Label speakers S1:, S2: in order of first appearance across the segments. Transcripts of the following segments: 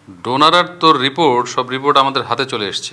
S1: Donor আর তোর report, সব report আমাদের হাতে চলে এসছে।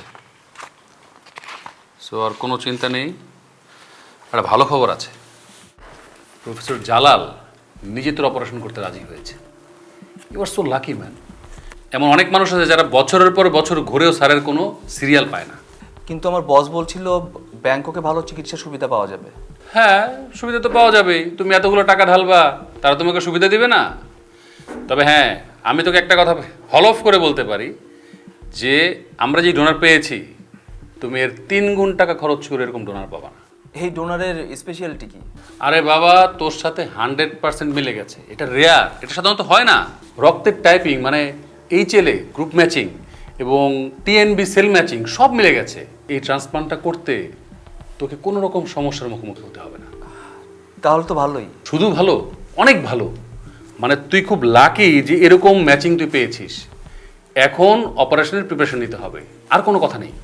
S1: সো আর কোনো চিন্তা নেই। একটা ভালো খবর আছে, প্রফেসর জালাল নিজে তোর অপারেশন করতে রাজি হয়েছে। You are so lucky man. এমন অনেক মানুষ আছে যারা বছরের পর বছর ঘুরেও স্যারের কোনো সিরিয়াল পায় না।
S2: কিন্তু আমার বস বলছিল ব্যাংককে ভালো চিকিৎসা সুবিধা পাওয়া যাবে।
S1: হ্যাঁ, সুবিধা তো পাওয়া যাবেই। তুমি এতগুলো টাকা ঢালবা, তারা তোমাকে সুবিধা দিবে না? তবে হ্যাঁ, আমি তোকে একটা কথা হলফ করে বলতে পারি যে আমরা যে ডোনার পেয়েছি, তুমি এর 3 গুণ টাকা খরচ করে এরকম ডোনার পাবা না।
S2: এই ডোনারের স্পেশালিটি কি?
S1: আরে বাবা, তোর সাথে 100% মিলে গেছে। এটা রেয়ার, এটা সাধারণত হয় না। রক্তের টাইপিং মানে HLA গ্রুপ ম্যাচিং এবং TNB সেল ম্যাচিং সব মিলে গেছে। এই ট্রান্সপ্লান্টটা করতে তোকে কোনো রকম সমস্যার মুখোমুখি হতে হবে না।
S2: তাহলে তো ভালোই।
S1: শুধু ভালো, অনেক ভালো। মানে তুই খুব লাকি যে এরকম ম্যাচিং তুই পেয়েছিস। এখন অপারেশনের প্রিপারেশন নিতে হবে, আর কোনো কথা নেই।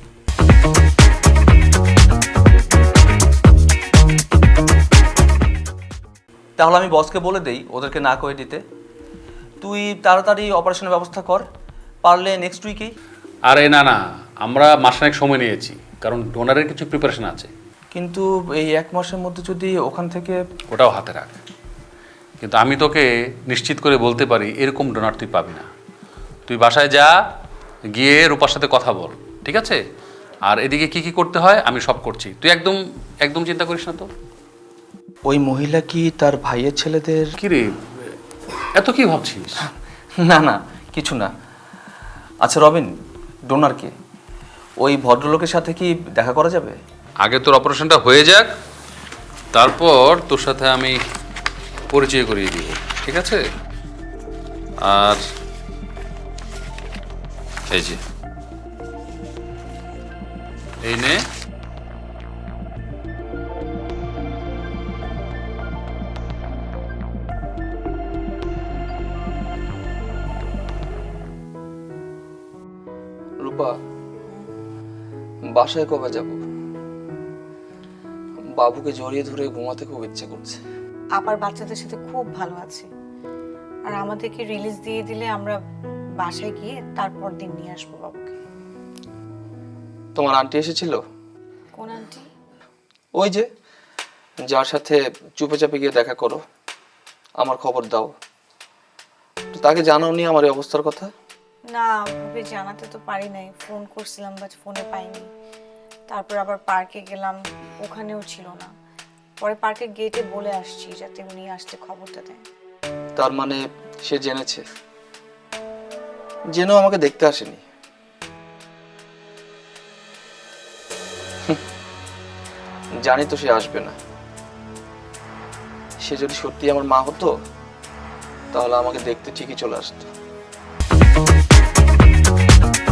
S2: তাহলে আমি বসকে বলে দেই ওদেরকে না করে দিতে। তুই তাড়াতাড়ি অপারেশনের ব্যবস্থা কর, পারলে নেক্সট উইকেই।
S1: আরে না না, আমরা মাসখানেক সময় নিয়েছি, কারণ ডোনারের কিছু প্রিপারেশন আছে।
S2: কিন্তু এই 1 মাসের মধ্যে যদি ওখান থেকে...
S1: ওটাও হাতে রাখ। কিন্তু আমি তোকে নিশ্চিত করে বলতে পারি এরকম ডোনার তুই পাবি না। তুই বাসায় যা, গিয়ে রূপার সাথে কথা বল, ঠিক আছে? আর এদিকে কি কি করতে হয় আমি সব করছি, তুই একদম একদম চিন্তা করিস না তো।
S2: ওই মহিলা কি তার ভাইয়ের ছেলেদের...
S1: কি রে, এত কি ভাবছিস?
S2: না না, কিছু না। আচ্ছা রবিন, ডোনার কে? ওই ভদ্রলোকের সাথে কি দেখা করা যাবে?
S1: আগে তোর অপারেশনটা হয়ে যাক, তারপর তোর সাথে আমি পরিচয় করিয়ে দিব, ঠিক আছে? আর এই যে, এই নে।
S2: রূপা, বাসায় কবে যাব? বাবুকে জড়িয়ে ধরে ঘুমাতে খুব ইচ্ছে করছে।
S3: আবার বাচ্চাদের সাথে খুব ভালো আছে। আর আমাদেরকে রিলিজ দিয়ে দিলে আমরা বাসায় গিয়ে তারপর দিন নিয়ে আসবো বাবুকে।
S2: তোমার আন্টি এসেছিল?
S3: কোন আন্টি?
S2: ওই যে, যার সাথে চুপে চাপে গিয়ে দেখা করো, আমার খবর দাও। তো তাকে জানাওনি আমার এই অবস্থার কথা?
S3: না, ভাবে জানাতে তো পারি নাই। ফোন করছিলাম বাট ফোনে পাইনি। তারপর আবার পার্কে গেলাম, ওখানেও ছিল না। পরে পার্কের গেটে বলে আসছি যাতে উনি আসতে খবরটা দেন।
S2: তার মানে সে জেনেছে, জেনেও আমাকে দেখতে আসেনি। জানি তো সে আসবে না। সে যদি সত্যি আমার মা হতো তাহলে আমাকে দেখতে ঠিকই চলে আসতো।